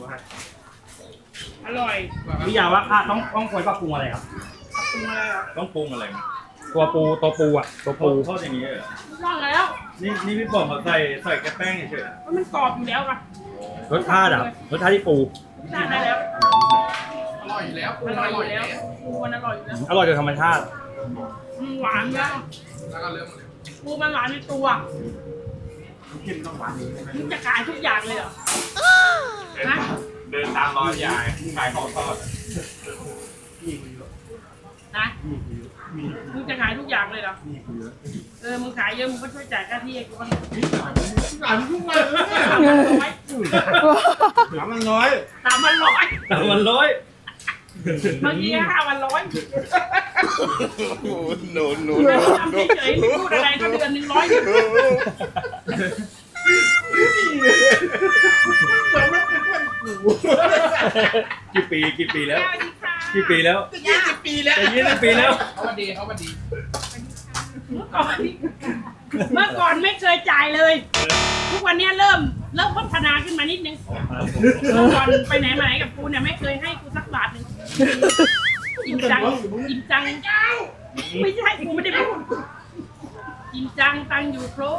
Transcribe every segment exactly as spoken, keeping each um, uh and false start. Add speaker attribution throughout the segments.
Speaker 1: อร่อย
Speaker 2: พี่ยาว่าข้าต้องต้องควรปรับปรุงอะไรครับ
Speaker 1: ปรุงอะไรอ่ะ
Speaker 3: ต้องปรุงอะไรไหม
Speaker 2: ตัวปูตัวปูอ่ะตัว
Speaker 3: ปู
Speaker 2: ปู
Speaker 3: ทอดอย่างนี้เหรอ
Speaker 1: ร่างแล้ว
Speaker 3: นี่นี่พี่บอกเขาใส่ใส่แค่แป้งเฉย
Speaker 1: เพราะมันกรอบอยู่แล้วอ่ะ
Speaker 2: รสชาติอ่ะรสชาติที่ปู
Speaker 1: ทานได้แล้ว
Speaker 4: อร่อยอยู่แล้ว
Speaker 1: อร่อยอยู่แล้วปูมันอร่อยอยู่แล้ว
Speaker 2: อร่อยโดยธรรมชาติ
Speaker 1: อืมหวานแล้ว
Speaker 4: แล้วก็เริ่มเลย
Speaker 1: ปูมันหวานในตัวมึงจะขายทุกอย่างเลยเหรอฮะ
Speaker 3: เดินตามร้อยยายขายของทอด
Speaker 1: นะมึงจะขายทุกอย่างเลยเหรอเออมึงขายเยอะมึงก็ช่วยจ่ายค่าที่ให้กูบ้าง
Speaker 4: หลานทุกวันเลย
Speaker 1: สามพันร้อย
Speaker 3: ถามมันร้อย
Speaker 1: สามพันร้อย
Speaker 3: แต่มันร้อย
Speaker 1: เมื่อกี้ห้าพันร้อย
Speaker 4: โอ้โหโน
Speaker 1: ทำเฉยๆไม่พูดอะไรก็เดือนหนึ่งร้อย
Speaker 3: กี่ปีกี่ปีแล้ว
Speaker 1: สวัสดีค่ะ
Speaker 3: กี่ปีแล้ว
Speaker 4: ยี่สิบปีแล้ว
Speaker 3: จะยี่สิบปีแล้ว
Speaker 4: เขามาดีเขามาดี
Speaker 1: เมื่อก่อนเมื่อก่อนไม่เคยจ่ายเลย ทุกวันนี้เริ่มเริ่มพัฒนาขึ้นมานิดนึงเมื่อก่อนไปไหนมาไหนกับกูเนี่ยไม่เคยให้กูสักบาทหนึ่งจริงจังจริงจังไม่ใช่กูไม่ได้พูดจริงจังตังอยู่ครบ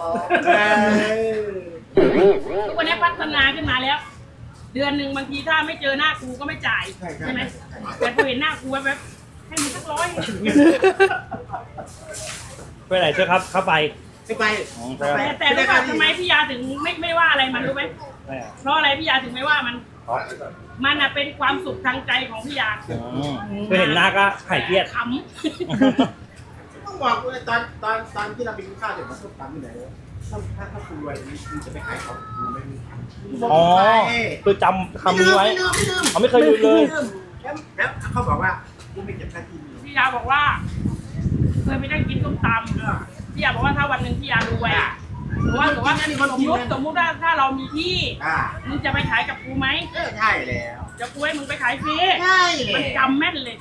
Speaker 1: ทุกวันนี้พัฒนาขึ้นมาแล้ว เดือนหนึ่งบางทีถ้าไม่เจอหน้ากูก็ไม่จ่ายใช่ไหมแต่พอเห็นหน้ากูแว๊บๆให้มึงสักร้อย
Speaker 2: ไปไหนเจ้าครับเข้าไป
Speaker 4: ไม่ไป
Speaker 2: อ๋อใช่ครับ
Speaker 1: แต่แต่รู้ป่ะทำไมพี่ยาถึงไม่ไม่ว่าอะไรมันรู้ไหม
Speaker 2: ใช่ครับ
Speaker 1: เพราะอะไรพี่ยาถึงไม่ว่ามัน มันอะเป็นความสุขทางใจของพี่ยา
Speaker 2: อืมคือเห็นหน้าก็หายเครียด
Speaker 1: ข
Speaker 5: ต้องบอกเลยตอนตอนตอนที่เราไปกินข้าวเดี๋ยวมาส้มตำที่ไหนถ้าถ้าถ้าคุณรวยคุณจะไปขายของคุณไม่มี
Speaker 2: อ๋อคือจำคำนี้ไว้
Speaker 5: ไม่ลืมไม่ลืม
Speaker 2: เขาไม่เคยลืมเลย
Speaker 5: แล้วแล้วเขาบอกว่าคุณไม่เก็บค่าที่
Speaker 1: ำพี่ยาบอกว่าเคยไปนั่งกินส้มตำพี่ยาบอกว่าถ้าวันหนึ่งพี่ยารวยอะหรือว่าหรือว่าสมมติสมมติว่าถ้าเรามีที่
Speaker 5: อ่า
Speaker 1: มึงจะไปขายกับกูไหม
Speaker 5: เออใช่แล้ว
Speaker 1: จะกูให้มึงไปขายฟรี
Speaker 5: ใช่
Speaker 1: มัน
Speaker 5: แล้ว
Speaker 1: จำแม่นเลย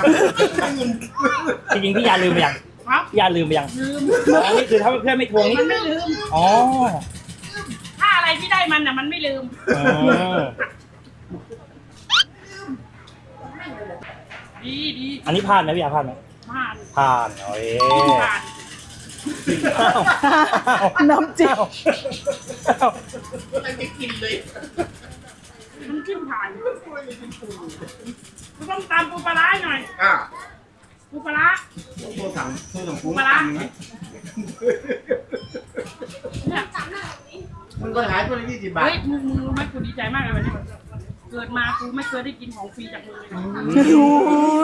Speaker 2: จริงๆพี่ยาลืมไปยัง
Speaker 1: ครับ
Speaker 2: พี่ยาลืมไปยัง
Speaker 1: ลืม
Speaker 2: อ๋อนี่คือถ้าเพื่อนไม่ทวงนี่
Speaker 1: มันไม่ลืม
Speaker 2: อ๋อ
Speaker 1: ถ้าอะไรที่ได้มันน่ะมันไม่ลืม
Speaker 2: อ๋อ
Speaker 1: ดีดี
Speaker 2: อันนี้ผ่านไหมพี่ยาผ่านไหม
Speaker 1: ผ่าน
Speaker 2: ผ่านโอ้ย
Speaker 1: ผ่าน
Speaker 2: น้ำจิ้ม
Speaker 4: ไม่ได้กินเลย
Speaker 1: มันขึ้นผ่านกูต้องตามปูปลาร้าหน่อย
Speaker 5: อ่า
Speaker 1: ปูปลาร้า
Speaker 5: โทรสั่งโทรสั่ง
Speaker 1: ปูปลาร้าเนี่ย
Speaker 5: มันก็ขายตัวละยี่สิบบาท
Speaker 1: เฮ้ยมึงมึงรู้ไหมกูดีใจมากเลยวันนี้เกิดมากูไม่เคยได้กินของฟรีจากมึงเลยนะ
Speaker 2: โอ้